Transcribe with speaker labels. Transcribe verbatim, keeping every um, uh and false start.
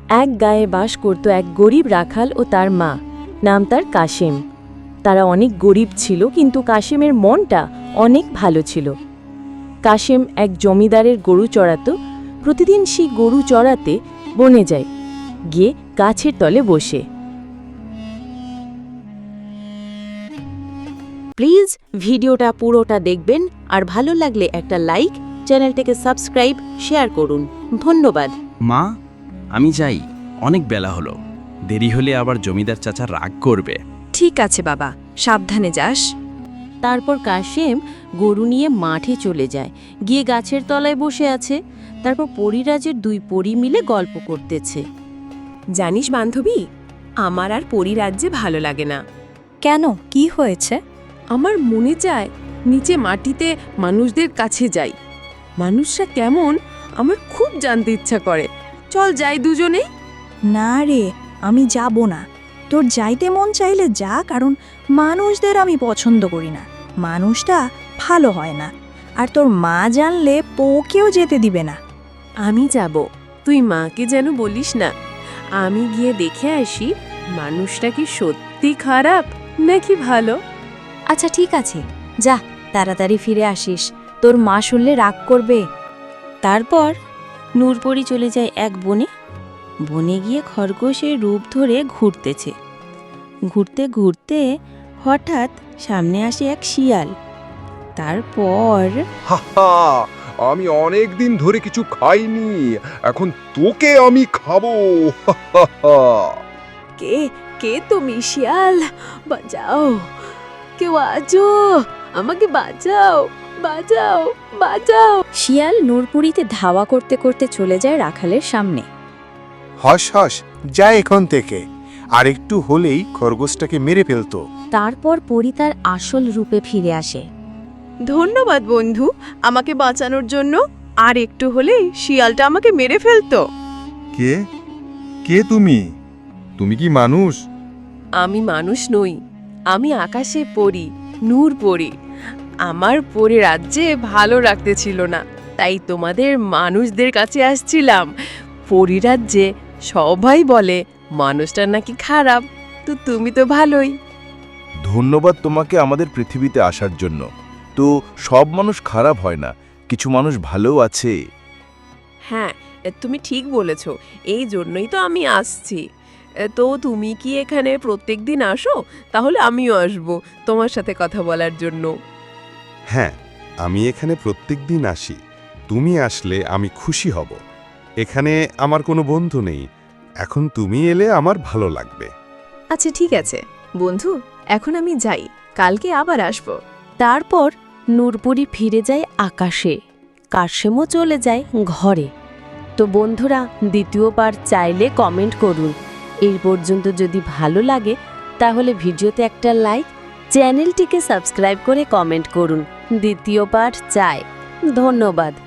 Speaker 1: এক গায়ে বাস করত এক গরিব রাখাল ও তার মা, নাম তার কাশেম। তারা অনেক গরিব ছিল, কিন্তু কাশেমের মনটা অনেক ভালো ছিল। কাশেম এক জমিদারের গরু চড়াতো। প্রতিদিন সেই গরু চড়াতে বনে যায়, গিয়ে গাছের তলে বসে। প্লিজ ভিডিওটা পুরোটা দেখবেন, আর ভালো লাগলে একটা লাইক, চ্যানেলটাকে সাবস্ক্রাইব, শেয়ার করুন। ধন্যবাদ।
Speaker 2: মা, আমি যাই, অনেক বেলা হলো। দেরি হলে আবার জমিদার চাচা রাগ করবে।
Speaker 3: ঠিক আছে বাবা, সাবধানে যাস।
Speaker 1: তারপর কাশেম গরু নিয়ে মাঠে চলে যায়, গিয়ে গাছের তলায় বসে আছে। তারপর পরিরাজের দুই পরী মিলে গল্প করতেছে।
Speaker 4: জানিস বান্ধবী, আমার আর পরিরাজ্যে ভালো লাগে না।
Speaker 3: কেন, কি হয়েছে?
Speaker 4: আমার মনে চায় নিচে মাটিতে মানুষদের কাছে যাই। মানুষরা কেমন আমার খুব জানতে ইচ্ছা করে। চল যাই দুজনেই।
Speaker 3: না রে, আমি যাব না। তোর যাইতে মন চাইলে যা, কারণ মানুষদের আমি পছন্দ করি না। মানুষটা ভালো হয় না, আর তোর মা জানলে পোকেও যেতে দিবে না।
Speaker 4: আমি যাব, তুই মাকে যেন বলিস না। আমি গিয়ে দেখে আসি মানুষটা কি সত্যি খারাপ নাকি ভালো।
Speaker 3: আচ্ছা ঠিক আছে, যা, তাড়াতাড়ি ফিরে আসিস, তোর মা শুনলে রাগ করবে।
Speaker 1: তারপর নূরপরি চলে যায় এক বনে। বনে গিয়ে খরগোশের রূপ ধরে ঘুরতেছে। ঘুরতে ঘুরতে হঠাৎ সামনে আসে এক শিয়াল। তারপর
Speaker 5: হাহা, আমি অনেক দিন ধরে কিছু খাইনি, এখন তোকে আমি খাবো। হাহা।
Speaker 4: কে কে তুমি শিয়াল? বাঁচাও, কেউ আছো, আমাকে বাঁচাও, বাঁচাও, বাঁচাও।
Speaker 3: শিয়াল নূরপুরীতে ধাওয়া করতে করতে চলে যায় রাখালের সামনে।
Speaker 6: হস হস, যা এখান থেকে, আর একটু হলেই খরগোশটাকে মেরে ফেলতো।
Speaker 1: তারপর পরি তার আসল রূপে ফিরে আসে।
Speaker 4: ধন্যবাদ বন্ধু, আমাকে বাঁচানোর জন্য। আর একটু হলেই শিয়ালটা আমাকে মেরে ফেলতো।
Speaker 5: কে কে তুমি? তুমি কি মানুষ?
Speaker 4: আমি মানুষ নই, আমি আকাশে পড়ি, নূর পড়ি। আমার পরে রাজ্যে ভালো রাখতে ছিল না, তাই তোমাদের মানুষদের কাছে আসছিলাম। পরিরাজ্যে সবাই বলে মানুষটা নাকি খারাপ, তো তুমি তো ভালোই।
Speaker 7: ধন্যবাদ তোমাকে আমাদের পৃথিবীতে আসার জন্য। তো সব মানুষ খারাপ হয় না, কিছু মানুষ ভালোও আছে।
Speaker 4: হ্যাঁ, তুমি ঠিক বলেছ, এই জন্যই তো আমি আসছি। তো তুমি কি এখানে প্রত্যেক দিন আসো? তাহলে আমিও আসব তোমার সাথে কথা বলার জন্য।
Speaker 6: হ্যাঁ, আমি এখানে প্রত্যেক দিন আসি। তুমি আসলে আমি খুশি হব। এখানে আমার কোনো বন্ধু নেই, এখন তুমি এলে আমার ভালো লাগবে।
Speaker 4: আচ্ছা ঠিক আছে বন্ধু, এখন আমি যাই, কালকে আবার আসব।
Speaker 1: তারপর নূরপরি ফিরে যায় আকাশে, কাশেমও চলে যায় ঘরে। তো বন্ধুরা, দ্বিতীয় পার্ট চাইলে কমেন্ট করুন। এই পর্যন্ত যদি ভালো লাগে তাহলে ভিডিওতে একটা লাইক, চ্যানেলটিকে সাবস্ক্রাইব করে কমেন্ট করুন। দ্বিতীয় পার্ট চাই। ধন্যবাদ।